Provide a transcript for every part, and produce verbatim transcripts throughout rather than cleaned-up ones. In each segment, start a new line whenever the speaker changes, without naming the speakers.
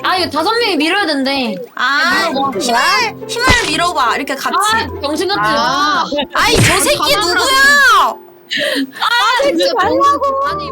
아 이거 다섯 명이 밀어야 된대.
아, 힘을 힘을 밀어봐. 이렇게 같이.
아 정신 같지
아.
마.
아이 저 새끼 누구야?
아 진짜 말라고.
아니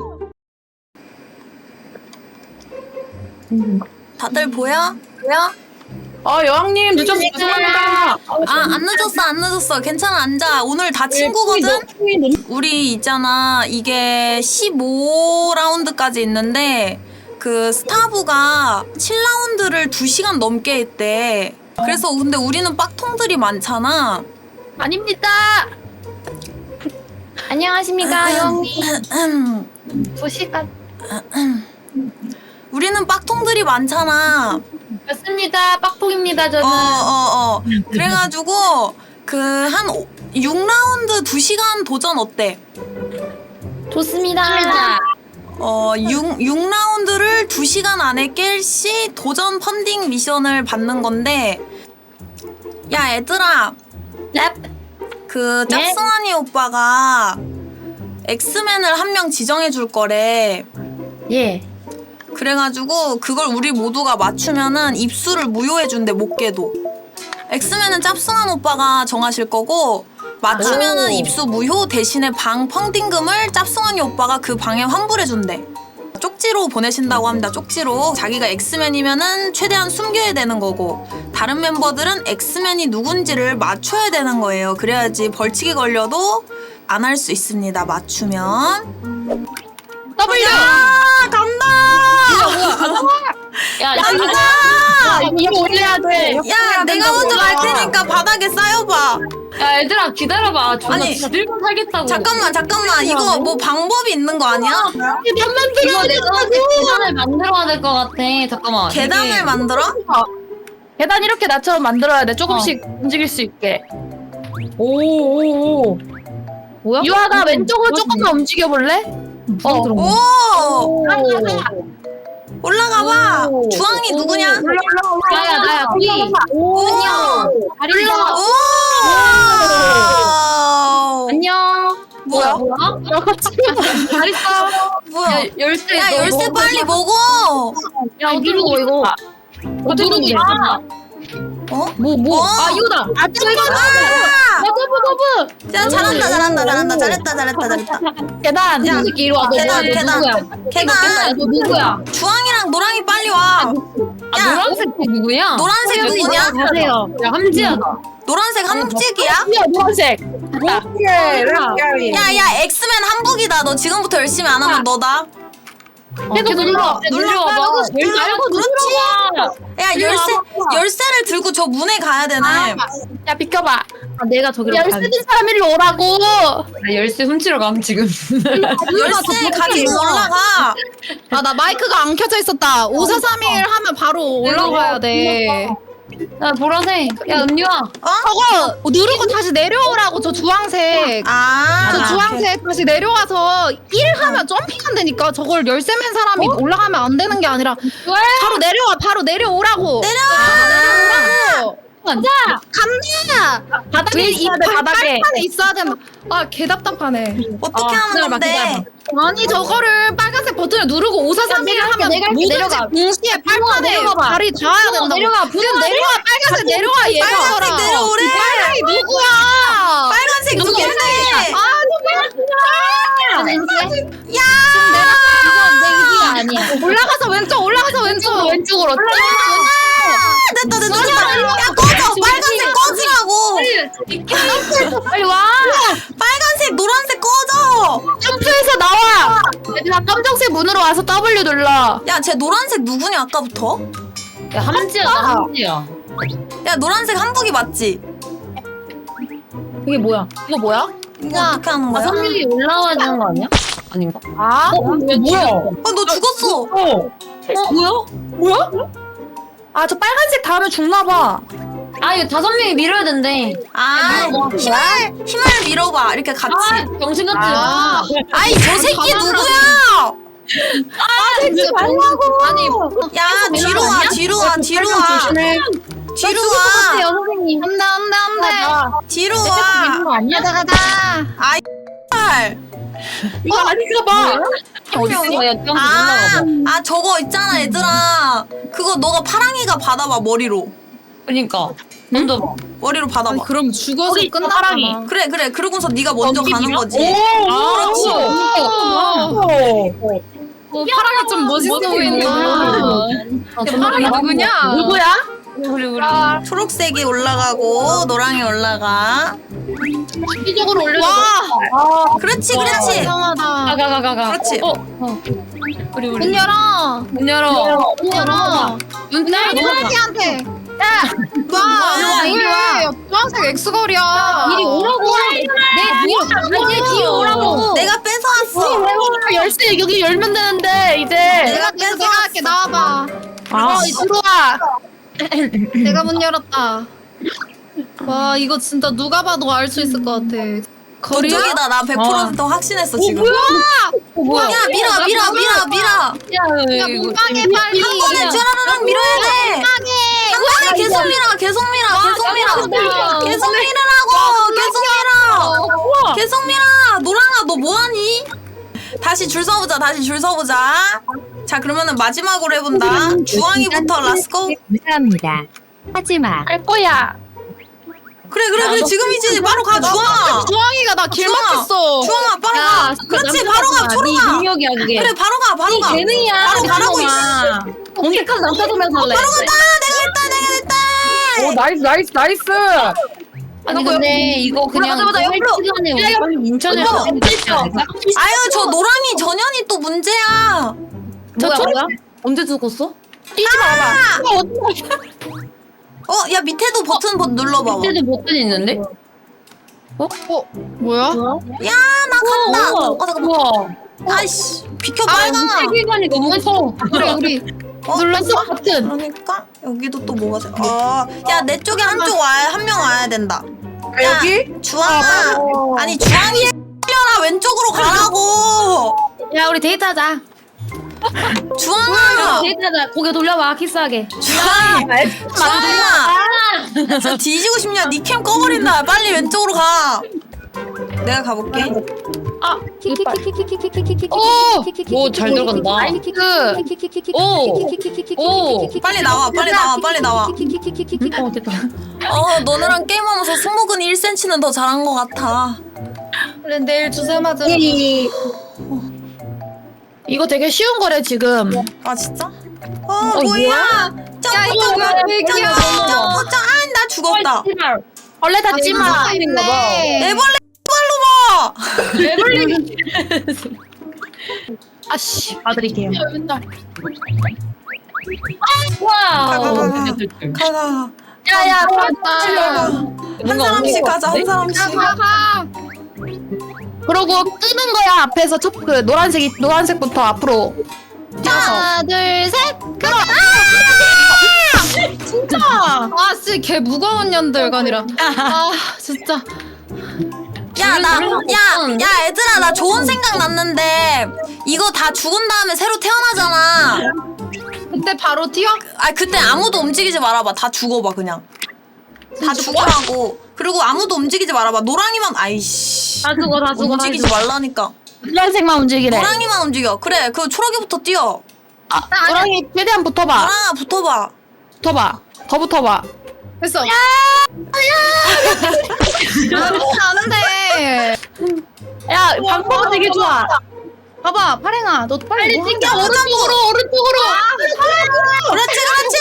다들 보여? 보여?
아 여왕님 늦어서 죄송합니다.
아 안 늦었어 안 늦었어. 괜찮아 앉아. 오늘 다 친구거든. 우리 있잖아 이게 십오 라운드까지 있는데 그 스타브가 칠 라운드를 두 시간 넘게 했대. 그래서 근데 우리는 빡통들이 많잖아.
아닙니다.
안녕하십니까 여왕님. 두 시간.
우리는 빡통들이 많잖아.
맞습니다. 빡폭입니다 저는.
어어어. 그래가지고 그 한 육 라운드 두 시간 도전 어때?
좋습니다.
어, 육, 육 라운드를 두 시간 안에 깰 시 도전 펀딩 미션을 받는 건데 야 얘들아
넵.
그
네?
짭승환이 오빠가 엑스맨을 한 명 지정해 줄 거래.
예.
그래가지고 그걸 우리 모두가 맞추면은 입수를 무효해 준대. 못 깨도. 엑스맨은 짭승환 오빠가 정하실 거고 맞추면은
오.
입수 무효 대신에 방 펑딩금을 짭승환이 오빠가 그 방에 환불해 준대. 쪽지로 보내신다고 합니다. 쪽지로. 자기가 엑스맨이면은 최대한 숨겨야 되는 거고 다른 멤버들은 엑스맨이 누군지를 맞춰야 되는 거예요. 그래야지 벌칙이 걸려도 안 할 수 있습니다. 맞추면.
W.
야 간다.
야
간다.
이거 올려야 돼.
야 내가 먼저 갈 테니까 바닥에 쌓여봐.
야 얘들아 기다려봐. 존나
아니,
진짜 들고 살겠다고.
잠깐만 잠깐만 이거 뭐 방법이 있는 거 아니야?
계단만
이거
들어.
내가 계단을 만들어야 될 것 같아. 잠깐만.
계단을
이게-
만들어?
계단 이렇게 나처럼 만들어야 돼. 조금씩 움직일 수 있게. 오오오.
뭐야?
유아가
음,
왼쪽으로
뭐지?
조금만 움직여 볼래?
어.
그런 거.
오 올라가봐.
오.
주황이 누구냐?
나야 나야 피.
오.
안녕. 다리 봐.
오
안녕.
뭐야?
뭐야?
잘했어.
뭐야?
열쇠.
야
너
열쇠
먹어.
빨리 먹어.
야 누르고 이거. 어 누르고 있어.
어?
뭐 뭐?
어.
아 이거다.
아 이거
아!
버브 버브.
야 잘한다 잘한다 잘한다 잘했다 잘했다 잘했다.
계단.
야, 새끼 이리 와. 너
계단,
뭐야? 너
계단.
누구야?
계단.
야, 너 누구야?
주황이랑 노랑이 빨리 와.
아
야.
노란색 누구야?
노란색 누구냐?
가세요. 야 함지야.
노란색 한북직이야?
야 노란색. 오케이.
야야 엑스맨 한북이다. 너 지금부터 열심히 안 하면 너다.
계속 눌러.
눌러.
눌러봐.
눌러.
말고
그렇지.
눌러봐.
야 열쇠 열쇠를 들고 저 문에 가야 되네.
야 비켜봐.
아 내가 저기로
열쇠 든 사람 일로 오라고.
나 열쇠 훔치러 감 지금.
열쇠 가지고 올라가.
아, 나 마이크가 안 켜져 있었다. 오사삼일 하면 바로 올라가야 돼.
야 보라색. 야 은유아.
어?
저거 누르고 다시 내려오라고, 저 주황색.
아.
저 주황색 다시 내려와서 일 하면 점핑 된다니까. 저걸 열쇠맨 사람이 올라가면 안 되는 게 아니라 바로 내려와, 바로 내려오라고.
내려와.
간다! 간다! 바닥에
위에
이
있어야 돼, 바닥에.
빨판에 있어야 된다. 아, 개 답답하네.
어떻게
아,
하는
기다려봐,
건데?
기다려봐.
아니, 저거를 빨간색 버튼을 누르고 오사삼일
내가 할게,
하면
내가 할게,
모든지
내려가.
동시에 빨판에
내려가봐.
발이 닿아야 된다.
내려가,
지금 내려와, 빨간색 내려와, 얘가.
빨간색 내려오래.
빨간이 누구야?
빨간색 누군데?
아,
왠지?
야.
이건 내 의지가 아니야.
올라가서 왼쪽, 올라가서 왼쪽.
왼쪽으로.
아, 됐다 됐다 됐다. 야 꺼져. 빨간색 꺼지라고.
빨리 와.
빨간색 노란색 꺼져.
점프해서 나와. 얘들아 검정색 문으로 와서 W 눌러.
야 쟤 노란색 누구냐 아까부터?
야 함지야 나 함지야.
야 노란색 한북이 맞지?
이게 뭐야?
이거 뭐야?
이거 어떻게 하는 거야?
다섯 명이 올라와야 되는 거 아니야? 아닌가?
아?
어? 뭐야?
아 너 죽었어.
어? 뭐야?
뭐야? 아 저 빨간색 닿으면 죽나봐.
아 이거 다섯 명이 밀어야 된대.
아 힘을 힘을 밀어봐. 이렇게 같이.
아 정신 같지
아.
마.
아이 저 새끼 누구야?
아 진짜 말라고.
아니,
야 뒤로 와 뒤로 와 뒤로 와
조심해.
뒤로 와
선생님.
안 돼, 안 돼, 안 돼.
뒤로 와.
아니야?
가자, 가자.
아이 발.
이거 아닌가 봐.
어딨어? 야, 좀
아,
올라가봐.
아 저거 있잖아 얘들아. 그거 그리고 너가 파랑이가 받아봐 머리로.
그러니까 먼저 봐.
머리로 받아봐.
아니, 그럼 죽어서
거기 있어,
끝나잖아.
사랑이.
그래 그래. 그러고서 네가 먼저 가는 거지.
그렇지.
어, 파랑이 좀 멋있어 보인다.
아,
파랑이 누구냐?
누구야?
우리 우리.
초록색이 올라가고 노랑이 올라가.
기적으로 올려줘.
와,
그렇지 그렇지.
이상하다.
가가가가.
그렇지.
어, 어. 우리 우리.
문 열어.
문 열어.
문 열어.
눈
나
뜨고 넘어가.
파랑이한테.
와.
야, 이리 와. 주황색 엑스걸이야.
이리 오라고. 내 뒤에 내 뒤에 오라고.
내가 뺏어왔어.
열쇠 여기 열면 되는데 이제.
내가 내가 내가 할게. 나와봐.
아, 들어와.
내가 문 열었다. 와, 이거 진짜 누가 봐도 알 수 있을 것 같아. 거리야?
그쪽이다. 나 백 퍼센트 확신했어 지금.
뭐야?
야 밀어 밀어 밀어 밀어.
야, 문방에 빨리.
한 번에 쭈라라랑 밀어야 돼. 한 번에 계속 밀어 계속 밀어 계속 밀어 계속 밀으라고 계속 밀어 계속 밀어. 노랑아 너 뭐하니? 다시 줄 서보자 다시 줄 서보자. 자 그러면은 마지막으로 해본다. 주황이부터 렛츠고.
감사합니다. 하지마.
할 거야.
그래 그래 그래 지금이지. 바로 가 주황아.
주황이가 나 길
주황아.
막혔어.
주황아 바로 가. 그렇지 바로 가 바로
네
가.
능력이야 그게.
그래 바로 가 바로 가.
재능이야.
바로 가라고 이씨.
언제까지 남자도면서 할래?
바로 간다. 내가 했다 내가 했다.
오 나이스 나이스 나이스.
아니 근데 이거 그냥
맞아, 맞아,
할
옆으로.
시간에 우리
야, 야,
빨리 인천에서
옆으로.
해야 되지 않을까?
아유 저 노랑이 전현이 또 문제야.
뭐야 뭐야? 언제 죽었어?
뛰지 마봐.
어 야 밑에도 버튼 버 눌러봐봐.
그때도 버튼 있는데?
뭐야?
야 나 간다. 어 잠깐만.
우와.
아이씨 비켜
아,
빨강아.
세계관이 너무 무서워.
그래, 우리
어?
눌렀어 버튼.
그러니까 여기도 또 뭐가 생? 어야 내 쪽에 한쪽 와야 한 명 와야 된다. 야,
여기?
주황아. 아니 주황이 려나 왼쪽으로 가라고.
야 우리 데이트하자.
주황아.
데이트하자. 고개 돌려봐 키스하게.
주황아. 주황아. 저 뒤지고 싶냐? 니 캠 꺼버린다. 빨리 왼쪽으로 가. 내가 가볼게.
오, 잘 들어간다. 오, 오,
빨리 나와. 빨리 나와. 빨리 나와.
어 됐다.
어 너네랑 게임하면서 승모근 일 센티미터는 더 잘한 것 같아.
그래, 내일 주사 맞으러.
이거 되게 쉬운 거래 지금.
아 진짜? 어 뭐야? 점프 점프
이거
점프
얘기야.
점프 점프. 아나 죽었다.
원래 닫지 마.
네.
애벌레 발로 봐.
아씨 봐드릴게요.
와.
가가.
야야
맞다.
한 사람씩 가자. 한 사람씩.
가.
그러고 끄는 거야 앞에서 첫 그 노란색이 노란색부터 앞으로.
하나, 둘, 셋. 그럼.
진짜.
아, 씨, 개 무거운 년들간이라. 아, 진짜.
야, 나, 야, 야, 얘들아, 나 좋은 생각 났는데, 이거 다 죽은 다음에 새로 태어나잖아.
그때 바로 튀어?
아, 그때 아무도 움직이지 말아봐. 다 죽어봐, 그냥. 다 죽으라고. 그리고 아무도 움직이지 말아봐. 노랑이만, 아이씨.
다 죽어 다 죽어.
움직이지 말라니까.
노란색만 움직이래.
노랑이만 움직여. 그래, 그 초록이부터 뛰어.
아, 노랑이 최대한 붙어봐.
노랑아, 붙어봐.
붙어봐. 더 붙어봐.
됐어. 야! 안 돼.
야 방법 되게 좋아.
봐봐, 파랭아. 너 빨리
빨리 튕겨 오른쪽으로 오른쪽으로.
그렇지, 그렇지!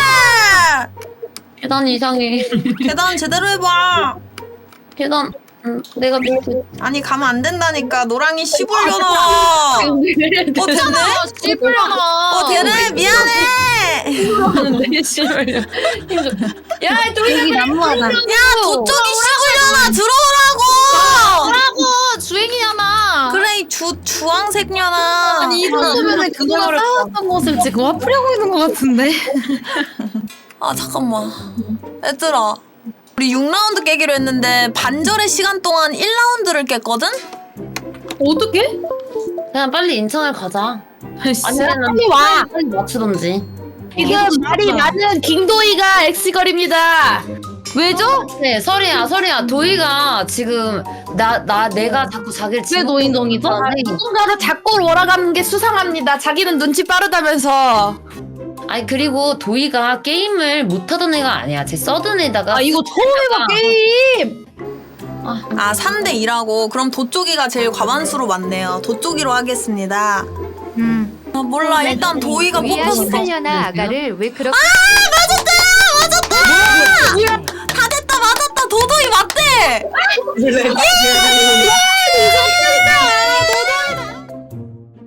계단 이상해.
계단 제대로 해봐.
계단. 응, 내가 밑에.
아니, 가면 안 된다니까. 노랑이 씹으려나. 어, 됐네?
씹으려나.
어, 되네? 미안해!
내 씨발. 야, 또 여기 나무하다.
야, 저쪽이 씹으려나! 들어오라고!
뭐라고? 주행이잖아.
그래, 이 주, 주황색녀나.
아니 이 정도면 그거랑 싸웠던 모습 지금 화풀이하고 있는 것 같은데.
아, 잠깐만. 얘들아. 우리 육 라운드 깨기로 했는데 반절의 시간 동안 일 라운드를 깼거든?
어떻게? 그냥 빨리 인천을 가자. 아니면
빨리 와.
빨리 맞추던지.
지금 말이 많은 김도희가 엑스걸입니다.
왜죠? 네, 설이야, 설이야. 도희가 지금 나, 나, 내가 자꾸 자기를 왜 노인동이죠?
누군가를 자꾸 몰아가는 게 수상합니다. 자기는 눈치 빠르다면서.
아니 그리고 도희가 게임을 못하던 애가 아니야. 쟤 써든 애다가.
아 이거 처음 해봐 게임.
아 삼 대 이라고? 그럼 도쪽이가 제일 과반수로 많네요. 도쪽이로 하겠습니다.
음.
아, 몰라 일단 도희가 뽑혔어.
하려나 아가를 왜 그렇게
다 됐다 맞았다 도도이 맞대.